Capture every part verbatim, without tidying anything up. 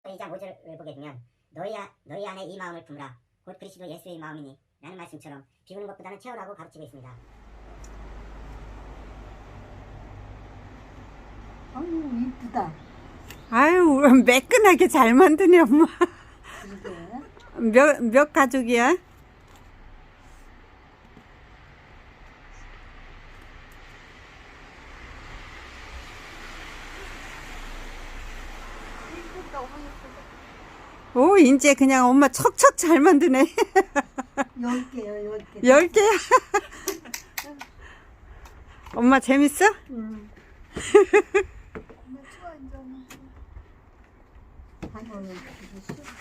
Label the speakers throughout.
Speaker 1: 이 장 오 절을 보게 되면 너희, 아, 너희 안에 이 마음을 품으라 곧 그리스도 예수의 마음이니 라는 말씀처럼 비우는 것보다는 채우라고 가르치고 있습니다.
Speaker 2: 아유 이쁘다.
Speaker 3: 아유 매끈하게 잘 만드네 엄마.
Speaker 2: 그러게.
Speaker 3: 몇, 몇 가족이야?
Speaker 2: 이쁘다. 어머 이쁘다.
Speaker 3: 오 이제 그냥 엄마 척척 잘 만드네.
Speaker 2: 열 개요 열 개.
Speaker 3: 열 개야. 엄마 재밌어?
Speaker 2: 응. 엄마 추워 이제. 아이고 이게 싫어.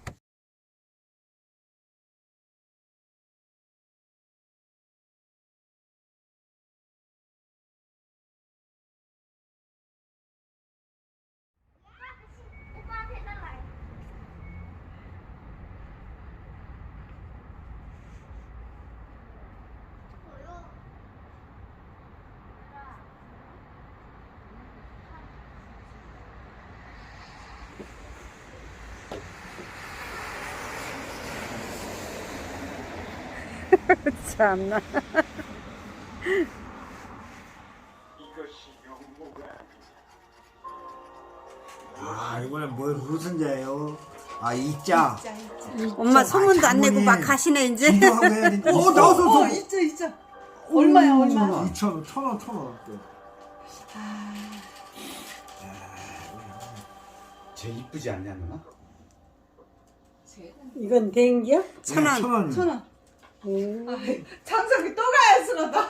Speaker 3: 참나.
Speaker 4: 아 이번에 뭘 무슨 자예요? 아 이자.
Speaker 3: 엄마 소문도 안 내고 막 가시네 이제.
Speaker 4: 기도하고 해야 되니까. 어 나왔어.
Speaker 2: 어 있죠 있죠. 얼마야 얼마?
Speaker 4: 이천 원, 천 원, 천 원.
Speaker 5: 쟤 이쁘지 않냐 누나?
Speaker 2: 이건 dengi야?
Speaker 3: 천 원.
Speaker 4: 천 원.
Speaker 2: 천 원. 장석이 또 가야 쓰러다.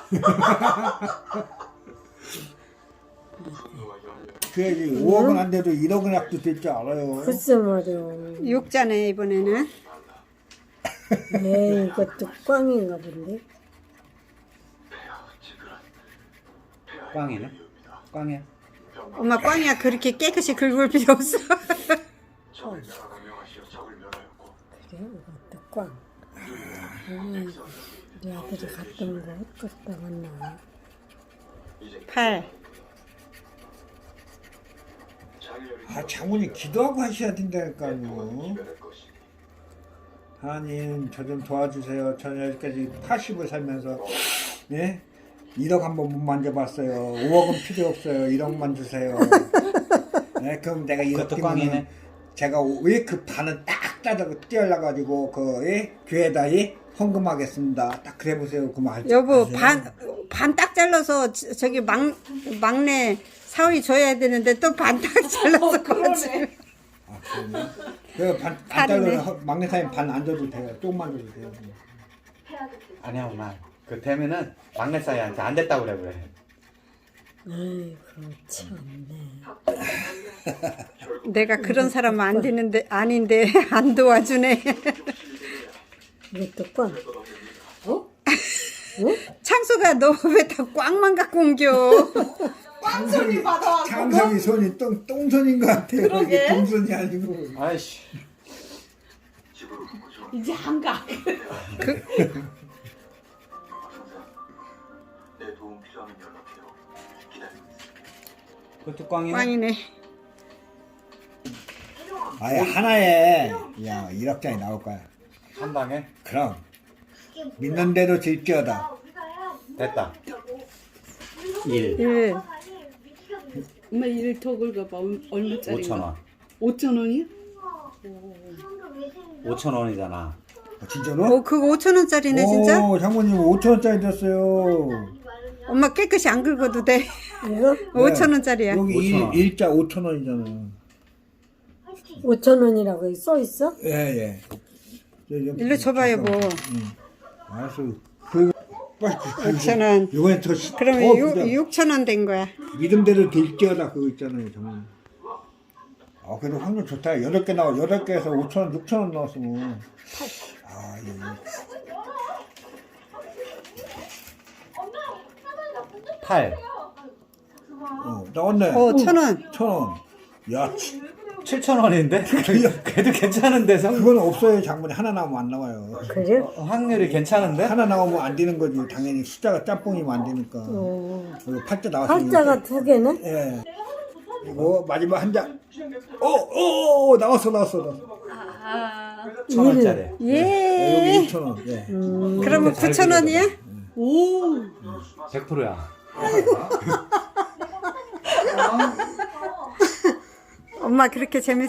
Speaker 4: 그래야지 오억은 안 돼도 일억은 합도 될 줄 알아요.
Speaker 6: 글쎄 말이야.
Speaker 3: 육자네 이번에는.
Speaker 6: 에이, 이것도 꽝인가 본데.
Speaker 5: 꽝이네? 꽝이야.
Speaker 3: 엄마 꽝이야 그렇게 깨끗이 긁을 필요 없어.
Speaker 6: 그래, 이것도 꽝. 아이고, 우리 아들이 갔던 거 갔다 왔나.
Speaker 3: 팔.
Speaker 4: 아 장모님 기도하고 하셔야 된다니까요. 하나님 저 좀 도와주세요. 저는 여기까지 팔십을 살면서 예? 일억 한번 못 만져봤어요. 오억은 필요 없어요. 일억만 주세요. 예, 그럼 내가 일억
Speaker 5: 그것도
Speaker 4: 뛰면은
Speaker 5: 꽝이네.
Speaker 4: 제가 왜 그 반은 딱 따다가 뛰어나가지고 그 예? 교회에다 예? 헌금하겠습니다. 딱 그래 보세요. 그만 할
Speaker 3: 여보
Speaker 4: 아세요?
Speaker 3: 반 반 딱 잘라서 저- 저기 막 막내 사위 줘야 되는데 또 반 딱 잘라서 그러지.
Speaker 4: 아, 그러네. 그반 안 잘라서 막내 사님 반 안 줘도 돼요. 조금만 줘도 돼요.
Speaker 5: 아니야 엄마. 그 되면은 막내 사이한테 안 됐다고 그래 그래.
Speaker 6: 아이고, 참네.
Speaker 3: 내가 그런 사람 안 되는데 아닌데 안 도와주네.
Speaker 6: 이것도 꽝.
Speaker 3: 창수가 너 왜 다 꽝만 갖고 옮겨?
Speaker 2: 꽝손이 받아왔어.
Speaker 4: 장성이 손이 똥, 똥손인 것 같아요. 이게 동손이 아니고.
Speaker 5: 아이씨.
Speaker 2: 이제 안 가.
Speaker 5: 그것도 꽝이네.
Speaker 3: 꽝이네.
Speaker 4: 아예 하나에 야 일억 장이 나올 거야.
Speaker 5: 한 방에
Speaker 4: 그럼 믿는 대로 질지어다.
Speaker 5: 됐다. 일.
Speaker 3: 일.
Speaker 2: 엄마 이를 더 긁어봐. 얼마짜리?
Speaker 5: 오천 원.
Speaker 2: 오천 원이야?
Speaker 5: 오천 원이잖아.
Speaker 4: 아, 진짜로?
Speaker 3: 오 그거 오천 원짜리네 진짜.
Speaker 4: 오 장모님 오천 원짜리 줬어요.
Speaker 3: 엄마 깨끗이 안 긁어도 돼.
Speaker 6: 이거
Speaker 3: 오천 원짜리야.
Speaker 4: 여기
Speaker 5: 오천 원.
Speaker 4: 일, 일자 오천 원이잖아.
Speaker 6: 오천 원이라고 써 있어?
Speaker 4: 예예.
Speaker 3: 일로 줘봐 여보.
Speaker 4: 알았어. 그
Speaker 3: 오천 원.
Speaker 4: 이번에 더 시-
Speaker 3: 그러면
Speaker 4: 더
Speaker 3: 육
Speaker 4: 부자.
Speaker 3: 육천 원 된 거야.
Speaker 4: 믿음대로 될지어다 그거 있잖아요 장모님. 아 그래도 확률 좋다. 여덟 개 나와 여덟 개에서 오천 원 육천 원 나왔으면. 아 예.
Speaker 5: 팔.
Speaker 4: 어 나왔네.
Speaker 3: 오 천 원.
Speaker 4: 천 원. 야, 치-
Speaker 5: 칠천 원인데? 그래도 괜찮은데 성
Speaker 4: 그건 없어요. 장모님 하나 나오면 안 나와요.
Speaker 6: 그래?
Speaker 5: 어, 확률이 괜찮은데?
Speaker 4: 하나 나오면 안 되는 거지. 당연히 숫자가 짬뽕이면 안 되니까.
Speaker 6: 어.
Speaker 4: 그리고 팔자 나왔으니까.
Speaker 6: 팔자가 두 개네?
Speaker 4: 예. 이거 마지막 한 장. 어, 어, 어, 나왔어, 나왔어, 나왔어.
Speaker 5: 천 원짜리.
Speaker 3: 예.
Speaker 4: 여기 이천 원. 예.
Speaker 3: 그러면 구천 원이야?
Speaker 2: 오.
Speaker 5: 백 퍼센트야.
Speaker 3: 엄마 그렇게 재밌어?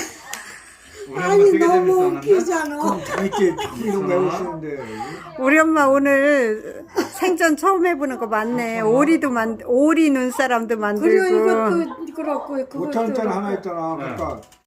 Speaker 6: 아니 너무 웃기잖아.
Speaker 4: 재밌게 이런 거 해보시는데.
Speaker 3: 우리 엄마 오늘 생전 처음 해보는 거 많네. 오리도 만 오리 눈사람도
Speaker 6: 그래
Speaker 3: 만들고.
Speaker 6: 이것도 그렇고
Speaker 4: 오천 원짜리
Speaker 6: 그것도
Speaker 4: 하나 있잖아. 그러니까